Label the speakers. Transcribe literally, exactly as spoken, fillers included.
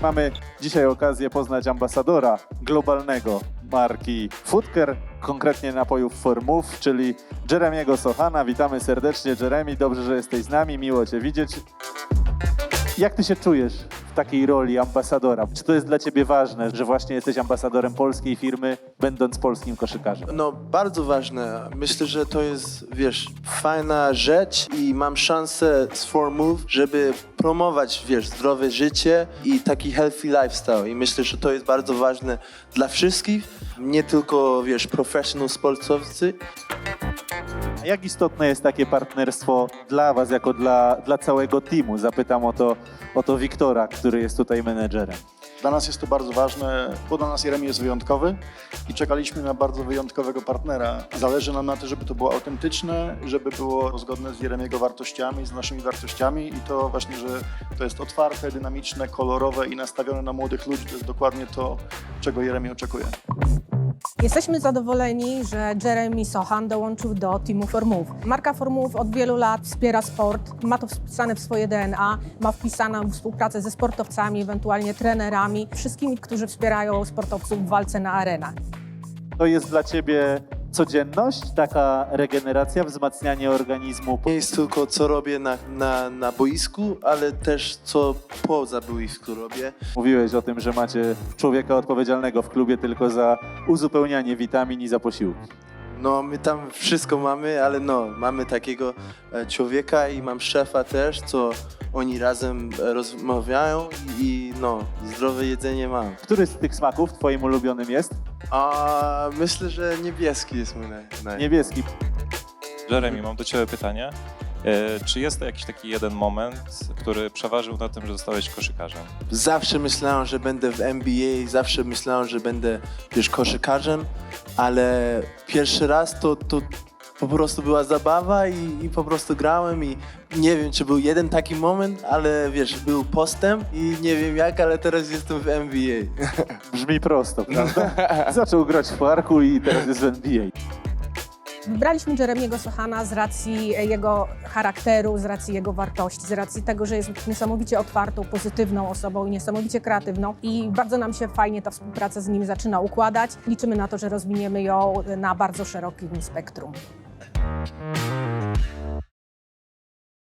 Speaker 1: Mamy dzisiaj okazję poznać ambasadora globalnego marki Foodcare, konkretnie napojów For Move, czyli Jeremiego Sochana. Witamy serdecznie, Jeremy, dobrze, że jesteś z nami, miło Cię widzieć. Jak Ty się czujesz w takiej roli ambasadora? Czy to jest dla Ciebie ważne, że właśnie jesteś ambasadorem polskiej firmy, będąc polskim koszykarzem?
Speaker 2: No, bardzo ważne. Myślę, że to jest, wiesz, fajna rzecz i mam szansę z four move, żeby promować, wiesz, zdrowe życie i taki healthy lifestyle. I myślę, że to jest bardzo ważne dla wszystkich, nie tylko, wiesz, professional sportowcy.
Speaker 1: A jak istotne jest takie partnerstwo dla Was, jako dla, dla całego teamu? Zapytam o to, o to Wiktora, który jest tutaj menedżerem.
Speaker 3: Dla nas jest to bardzo ważne, bo dla nas Jeremy jest wyjątkowy i czekaliśmy na bardzo wyjątkowego partnera. Zależy nam na tym, żeby to było autentyczne, żeby było zgodne z Jeremiego wartościami, z naszymi wartościami i to właśnie, że to jest otwarte, dynamiczne, kolorowe i nastawione na młodych ludzi. To jest dokładnie to, czego Jeremy oczekuje.
Speaker 4: Jesteśmy zadowoleni, że Jeremy Sochan dołączył do teamu four move. Marka four move od wielu lat wspiera sport, ma to wpisane w swoje D N A, ma wpisaną współpracę ze sportowcami, ewentualnie trenerami, wszystkimi, którzy wspierają sportowców w walce na arenach.
Speaker 1: To jest dla Ciebie codzienność, taka regeneracja, wzmacnianie organizmu?
Speaker 2: Nie jest tylko co robię na, na, na boisku, ale też co poza boisku robię.
Speaker 1: Mówiłeś o tym, że macie człowieka odpowiedzialnego w klubie tylko za uzupełnianie witamin i za posiłki.
Speaker 2: No, my tam wszystko mamy, ale no, mamy takiego e, człowieka i mam szefa też, co oni razem e, rozmawiają i no, zdrowe jedzenie mam.
Speaker 1: Który z tych smaków Twoim ulubionym jest?
Speaker 2: A myślę, że niebieski jest mój naj... naj...
Speaker 1: Niebieski.
Speaker 5: Jeremy, mam do Ciebie pytanie. E, Czy jest to jakiś taki jeden moment, który przeważył na tym, że zostałeś koszykarzem?
Speaker 2: Zawsze myślałem, że będę w N B A, zawsze myślałem, że będę, wiesz, koszykarzem, ale pierwszy raz to, to po prostu była zabawa i, i po prostu grałem i nie wiem, czy był jeden taki moment, ale wiesz, był postęp i nie wiem jak, ale teraz jestem w N B A.
Speaker 1: Brzmi prosto, prawda? Zaczął grać w parku i teraz jest w N B A.
Speaker 4: Wybraliśmy Jeremiego Sochana z racji jego charakteru, z racji jego wartości, z racji tego, że jest niesamowicie otwartą, pozytywną osobą i niesamowicie kreatywną i bardzo nam się fajnie ta współpraca z nim zaczyna układać. Liczymy na to, że rozwiniemy ją na bardzo szerokim spektrum.